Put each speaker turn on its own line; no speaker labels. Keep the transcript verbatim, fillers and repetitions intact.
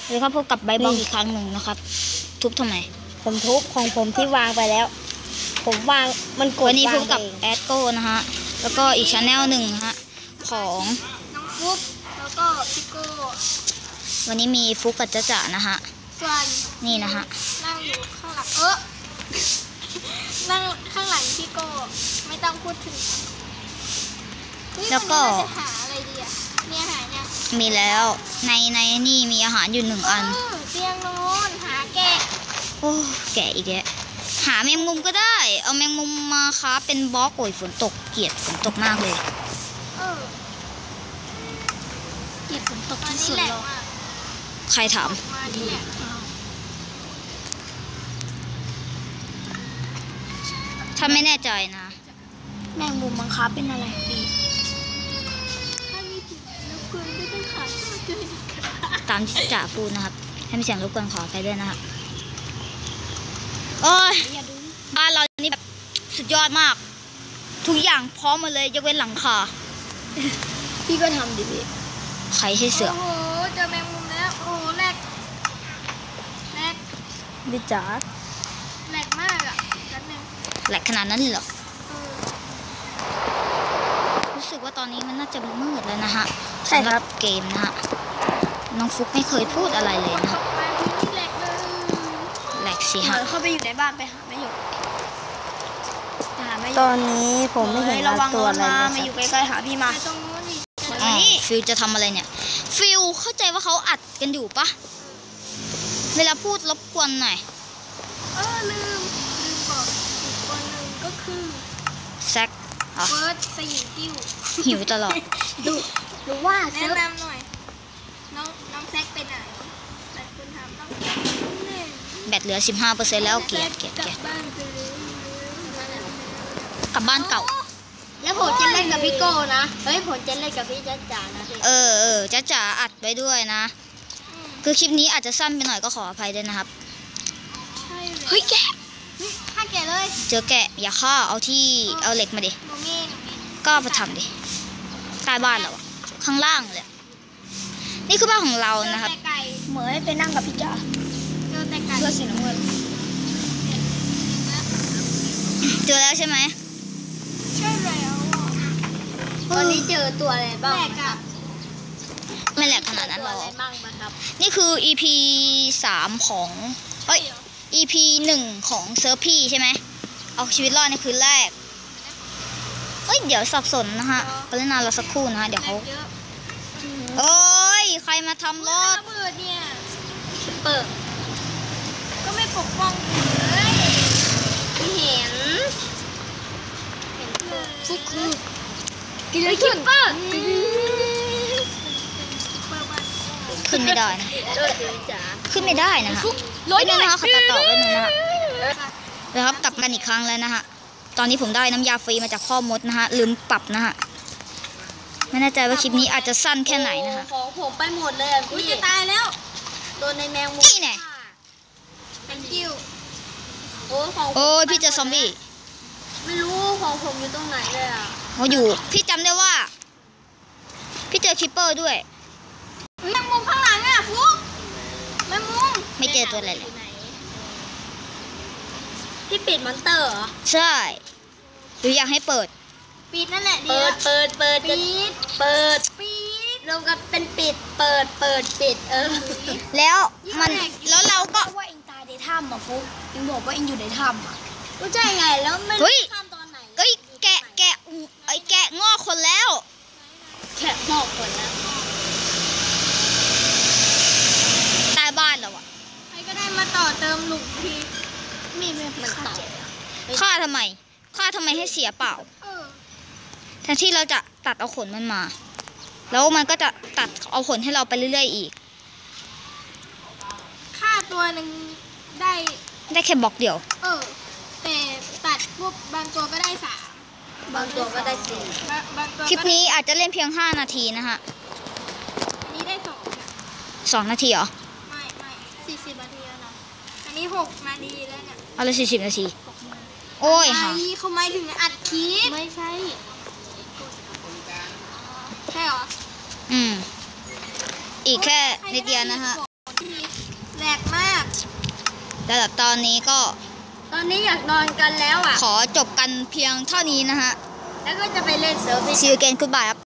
หรือครับพบกับใบบล็อกอีกครั้งหนึ่งนะครับทุบทำไม
ผมทุบของผมที่วางไปแล้วผมวางมันกดวัน
นี้พบกับแอดโก้นะฮะแล้วก็อีกชาแนลหนึ่งฮะของ
น้องฟุ๊กแล้วก็พี่โก้
วันนี้มีฟุกกับจ๊ะจ๋านะฮะ
ส่วน
นี่นะฮะ
นั่งอยู่ข้างหลังเออนั่งข้างหลังพี่โก้ไม่ต้องพูดถึง
แล้วก็
หาอะไรดีอ่ะมีอาหารเนี่ย
มีแล้วในในนี่มีอาหารอยู่หนึ่งอัน
เตียงนอนหาแกะ
โอ้แกะอีกแล้วหาแมงมุมก็ได้เอาแมงมุมมาค้าเป็นบล็อกโอยฝนตกเกลียดฝนตกมากเลย
เออ
เกลียดฝนตกที่สุดเลยใครถามถ้าไม่แน่ใจนะ
แมงมุมมังคับเป็นอะไรดี
ตามที่จ่าพูดนะครับให้มีเสียงรบกวนขอไปด้วยนะครับโอ้ยบ้านเรานี่แบบสุดยอดมากทุกอย่างพร้อมมาเลยยกเว้นหลังคา
พี่ก็ทำดิพี่
ใครให้เสือ
โอ้โหเจอแมงมุมแล้วโอ้โหแหลกแหลก
ดิจ๋า
แหลกมากอ่ะนั่นนึง
แหลกขนาดนั้นเลยเหรอรู้สึกว่าตอนนี้มันน่าจะมืดแล้วนะฮะ
ใช่ครับ
เกมนะฮะน้องฟุกไม่เคยพูดอะไรเลยนะฮะ
แหลกเลย
แหลกสิฮะ
เข้าไปอยู่ในบ้านไปหาไม่อยู่
ตอนนี้ผมไม่เห็นตัวอะไรเลย
มาอยู่ใกล้ๆหาพี่มาตรงนู้น
นี่ฟิลจะทำอะไรเนี่ยฟิลเข้าใจว่าเขาอัดกันอยู่ปะเวลาพูดรบกวนหน่อย
เออลืมลืมบอกอีกคนหนึ่งก็คือ
แซค
เฟิร์สสยิวติ้ว
หิวตลอด
ดูดูว่าแนะนำหน่อยน้องน้องแซคไปไหนแต่คุณทำต้อง
แบตเหลือ สิบห้าเปอร์เซ็นต์ แล้วเกลียดเกลียดเกลียดกลับบ้านเก่า
แล้วผมจะเล่นกับพี่โก้นะเฮ้ยผมจะเล่นกับพี่จ๊ะจ๋านะ
เออเออจ๊ะจ๋าอัดไว้ด้วยนะคือคลิปนี้อาจจะสั้นไปหน่อยก็ขออภัยด้วยนะครับเฮ้ยแกะ
ฆ่าแกะเลย
เจอแกะอย่าฆ่าเอาที่เอาเหล็กมาดิก็มาทำดิใต้บ้านเราข้างล่างเลยนี่คือบ้านของเรานะครับ
เหมยไปนั่งกับพี่จ๋า
เจอแต่ไก่
เสื้อสีน้ำเงิน
เจอแล้วใช่ไหม
ใช่แล้ว
ตอนนี้เจอตัวอะไรบ้าง
ไม่แหลกขนาดนั้นหรอกนี่คือ อี พี สามของเอ้ย อี พี หนึ่งของเซิร์ฟพี่ใช่ไหมเอาชีวิตรอดในคืนแรกเฮ้ยเดี๋ยวสับสนนะฮะกรุณาเราสักครู่นะฮะเดี๋ยวเขาโอ้ยใครมาทำรถ
เปิดเนี่ยเปิดก็ไม่ปกป้องเลย
ไม่เห็น
ฟุกคือ
กินเลยคิปเปอร์
ขึ้นไม่ได้นะขึ้นไม่ได้นะคะร้อยนะคะขัดตัดต่อไปหนึ่งนะคะแล้วครับกลับกันอีกครั้งแล้วนะฮะตอนนี้ผมได้น้ำยาฟรีมาจากพ่อมดนะฮะลืมปรับนะฮะไม่แน่ใจว่าคลิปนี้อาจจะสั้นแค่ไหนนะคะ
ของผมไปหมดเลยอ่ะพี่
จะตายแล้ว
โดนในแมงมุม
นี่ไง
เป็นกิ้ว
โอ้ของ
โอ้ยพี่เจอซอมบี้
ไม่รู้ของผมอยู่ตรงไหนเลยอ่ะ
เขาอยู่พี่จำได้ว่าพี่เจอคิปเปอร์ด้วย
แมงมุมข้างหลังอ่ะฟุ๊กแมงมุม
ไม่เจอตัวอะไรเลย
พี่ปิดมอนเตอร์เหรอ
ใช่หรืออยากให้เปิด
ปิดนั่นแหละ
เปิดเปิดเปิด
ปิด
เปิด
ปิด
รวมกันเป็นปิดเปิดเปิดปิดเออ
แล้วมันแล้วเราก็
ว่าเองตายในถ้ำอ่ะฟุ๊กเองบอกว่าเองอยู่ในถ้ำอ่ะ
ก็ใช่ไงแล้วไม่
รู้
ถ้ำตอนไหน
เอ้ยแกะแกะไอ้แกะงอกคนแล้ว
แกะงอกคนแล้ว
ใต้บ้านเราอะ
ใครก็ได้มาต่อเติมหลุมพีมีมันต่อ
ฆ่าทำไมฆ่าทำไมให้เสียเปล่าแทนที่เราจะตัดเอาขนมันมาแล้วมันก็จะตัดเอาขนให้เราไปเรื่อยๆอีก
ฆ่าตัวหนึ่งได้
ได้แค่บล็อกเดียว
เออแต่ตัดพวกบางตัวก็ได้สาม
บางตัวก็ได้สี่
คลิปนี้อาจจะเล่นเพียงห้านาทีนะฮะ
อันนี้ได้สอง
สองนาทีเหรอ
ไม่ไม่สี่สิบนาทีแล้วนะอันนี้หกนาทีแล้วเนี่ย
เอาเลยสี่สิบนาทีโอ้ยค่ะ
เขาไม่ถึงอัดคลิปไม่ใช่ใช่เหรอ
อืมอีกแค่นิดเดียวนะฮะ
แหลกมาก
สำหรับตอนนี้ก็
ตอนนี้อยากนอนกันแล้วอ่ะ
ขอจบกันเพียงเท่านี้นะฮะ
แล้วก็จะไปเล่นเซิร์ฟ
See you again goodbye ครับ